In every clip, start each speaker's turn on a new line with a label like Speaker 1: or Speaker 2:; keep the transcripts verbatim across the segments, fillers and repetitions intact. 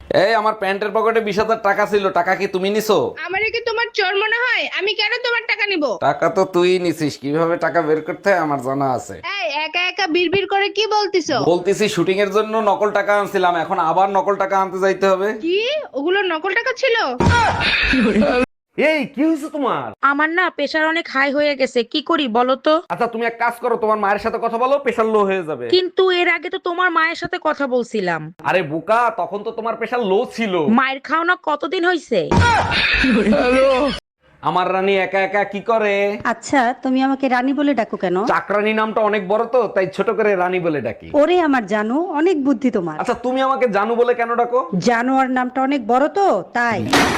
Speaker 1: এই আমার প্যান্টের পকেটে বিশ হাজার টাকা ছিল, টাকা কি তুমি নিছো?
Speaker 2: আমারে কি তোমার চোর মনে হয়? আমি কেন তোমার টাকা নিব?
Speaker 1: টাকা তো তুই নিছিস, কিভাবে টাকা বের করতে হয় আমার জানা আছে।
Speaker 2: এই একা একা বিড়বিড় করে কি বলতিছো?
Speaker 1: বলতেছি শুটিং এর জন্য নকল টাকা আনছিলাম, এখন আবার নকল টাকা আনতে যাইতে হবে।
Speaker 2: কি ওগুলো নকল টাকা ছিল?
Speaker 1: এই কি হয়েছে তোমার?
Speaker 3: আমার না প্রেশার অনেক হাই হয়ে গেছে, কি করি বলো তো?
Speaker 1: আচ্ছা তুমি এক কাজ করো, তোমার মায়ের সাথে কথা বলো, প্রেশার লো হয়ে যাবে।
Speaker 3: কিন্তু এর আগে তো তোমার মায়ের সাথে কথা বলছিলাম।
Speaker 1: আরে বোকা, তখন তো তোমার প্রেশার লো ছিল।
Speaker 3: মায়ের খাওনা কতদিন হইছে?
Speaker 1: আমার রানী একা একা কি করে?
Speaker 4: আচ্ছা তুমি আমাকে রানী বলে ডাকো কেন?
Speaker 1: চাকরানী নামটা অনেক বড় তো, তাই ছোট করে রানী বলে ডাকি।
Speaker 4: ওরে আমার জানো, অনেক বুদ্ধি তোমার।
Speaker 1: আচ্ছা তুমি আমাকে জানু বলে কেন ডাকো?
Speaker 4: জানোয়ার নামটা অনেক বড় তো তাই।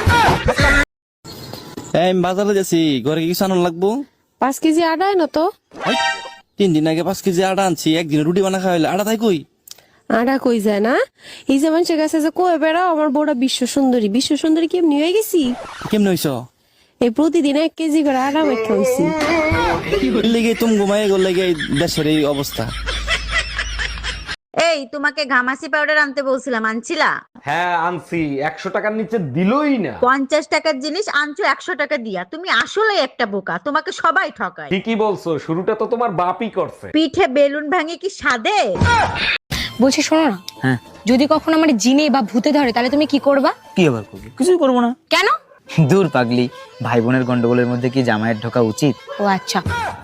Speaker 5: এই আমি বাজারে যাচ্ছি, ঘরে কি কিছু আনার লাগবো?
Speaker 6: পাঁচ কেজি আটা এনো তো।
Speaker 5: এই, তিন দিন আগে পাঁচ কেজি আটা আনছি, একদিন রুটি বানা খাওয়াইলে আটা তাই কই?
Speaker 6: আটা কই যায় না? এই যে মানুষের কাছে যে কয়ে বেড়াও আমার বউটা বিশ্ব সুন্দরী, বিশ্ব সুন্দরী কেমনি হয়ে গেছি?
Speaker 5: কেমনে হইছ?
Speaker 6: এই প্রতিদিন এক কেজি করে আটা মেখে হইছি।
Speaker 5: লেগে তুমি ঘুমাই গেল লেগে এই দেশের এই অবস্থা।
Speaker 7: এই তোমাকে ঘামাসি পাউডার আনতে বলছিলাম, আনছিলা?
Speaker 1: হ্যাঁ আনছি, একশো টাকার নিচে দিলই না।
Speaker 7: পঞ্চাশ টাকার জিনিস আনছো একশো টাকা দিয়া, তুমি আসলে একটা বোকা, তোমাকে সবাই ঠকায়।
Speaker 1: ঠিকই বলছো, শুরুটা তো তোমার বাপই করছে।
Speaker 7: পিঠে বেলুন ভাঙে কি সাদে?
Speaker 8: বলছি শোনো না,
Speaker 5: হ্যাঁ
Speaker 8: যদি কখনো আমার জিনে বা ভূতে ধরে তাহলে তুমি কি করবা?
Speaker 9: কি আবার করবো? কিছুই করবো না।
Speaker 8: কেন?
Speaker 9: দূর পাগলি, ভাই বোনের গন্ডগোলের মধ্যে কি জামাইয়ের ঢোকা উচিত?
Speaker 8: ও আচ্ছা।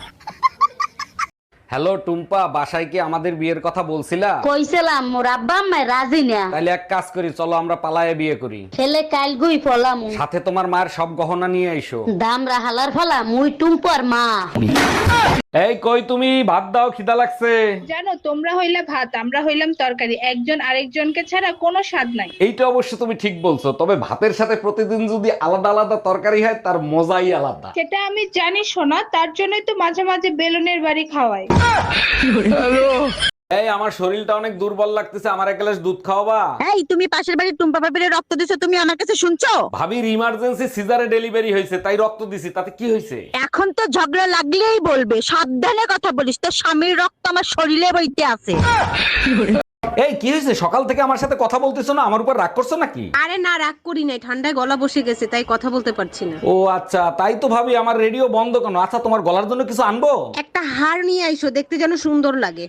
Speaker 1: হ্যালো টুম্পা, বাসায় কি আমাদের বিয়ের কথা বলছিলা?
Speaker 10: কইছিলাম মোর আব্বা আম্মা রাজি না।
Speaker 1: তাহলে এক কাজ করি, চলো আমরা পালায়ে বিয়ে করি।
Speaker 10: ছেলে কাল গুই ফলাম,
Speaker 1: সাথে তোমার মায়ের সব গহনা নিয়ে আইসো।
Speaker 10: দাম রাহালার ফলা মুই টুম্পর মা।
Speaker 1: এই কই তুমি, ভাত দাও, খিদা লাগছে।
Speaker 2: জানো তোমরা হইলে ভাত, আমরা হইলাম তরকারি, একজন আরেকজনকে ছাড়া কোনো স্বাদ নাই।
Speaker 1: এইটা অবশ্য তুমি ঠিক বলছো, তবে ভাতের সাথে প্রতিদিন যদি আলাদা আলাদা তরকারি হয় তার মজাই আলাদা।
Speaker 2: সেটা আমি জানি শোনা, তার জন্যই তো মাঝে মাঝে বেলুনের বাড়ি খাওয়াই।
Speaker 1: এই আমার শরীরটা অনেক দুর্বল লাগতেছে, আমার এক গ্লাস দুধ খাওয়াবা?
Speaker 7: এই তুমি পাশের বাড়ির টুম্পা বাবির রক্ত দিছো, তুমি আমার কাছে শুনছো?
Speaker 1: ভাবির ইমার্জেন্সি সিজারে ডেলিভারি হয়েছে, তাই রক্ত দিছি, তাতে কি হয়েছে?
Speaker 7: এখন তো ঝগড়া লাগলেই বলবে, সাবধানে কথা বলিস, তোর স্বামীর রক্ত আমার শরীরে বইতে আছে।
Speaker 1: এই কি হয়েছে, সকাল থেকে আমার সাথে কথা বলতেছো না, আমার উপর রাগ করছো নাকি?
Speaker 6: আরে না, রাগ করি নাই, ঠান্ডায় গলা বসে গেছে তাই কথা বলতে পারছি না।
Speaker 1: ও আচ্ছা, তাই তো ভাবি আমার রেডিও বন্ধ কেন? আচ্ছা তোমার গলার জন্য কিছু আনবো?
Speaker 6: একটা হার নিয়ে আইসো, দেখতে যেন সুন্দর লাগে।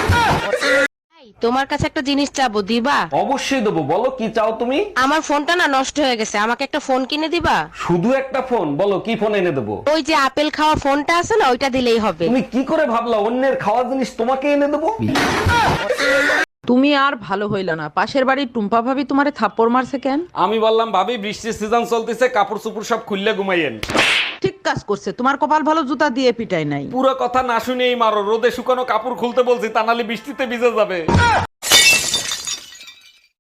Speaker 6: তোমার কাছে একটা জিনিস চাবো, দিবা?
Speaker 1: অবশ্যই দেবো, বলো কি চাও তুমি?
Speaker 6: আমার ফোনটা না নষ্ট হয়ে গেছে, আমাকে একটা ফোন কিনে দিবা?
Speaker 1: শুধু একটা ফোন? বলো কি ফোন এনে দেবো?
Speaker 6: ওই যে আপেল খাওয়া ফোনটা আছে না, ওইটা দিলেই হবে।
Speaker 1: তুমি কি করে ভাবলা অন্যের খাওয়া জিনিস তোমাকে এনে দেবো?
Speaker 3: তুমি আর ভালো হইল না, পাশের বাড়ির টুম্পা ভাবি তোমারে থাপ্পড় মারছে কেন?
Speaker 1: আমি বললাম ভাবি বৃষ্টির সিজন চলতেছে, কাপড় চুপড় সব খুললে ঘুমাইয়েন।
Speaker 3: ঠিক কাজ করছে, তোমার কপাল ভালো জুতা দিয়ে পিটাই নাই।
Speaker 1: পুরো কথা না শুনেই মারো, রোদে শুকানো কাপড় খুলতে বলছি, তা নাহলে বৃষ্টিতে ভিজে যাবে।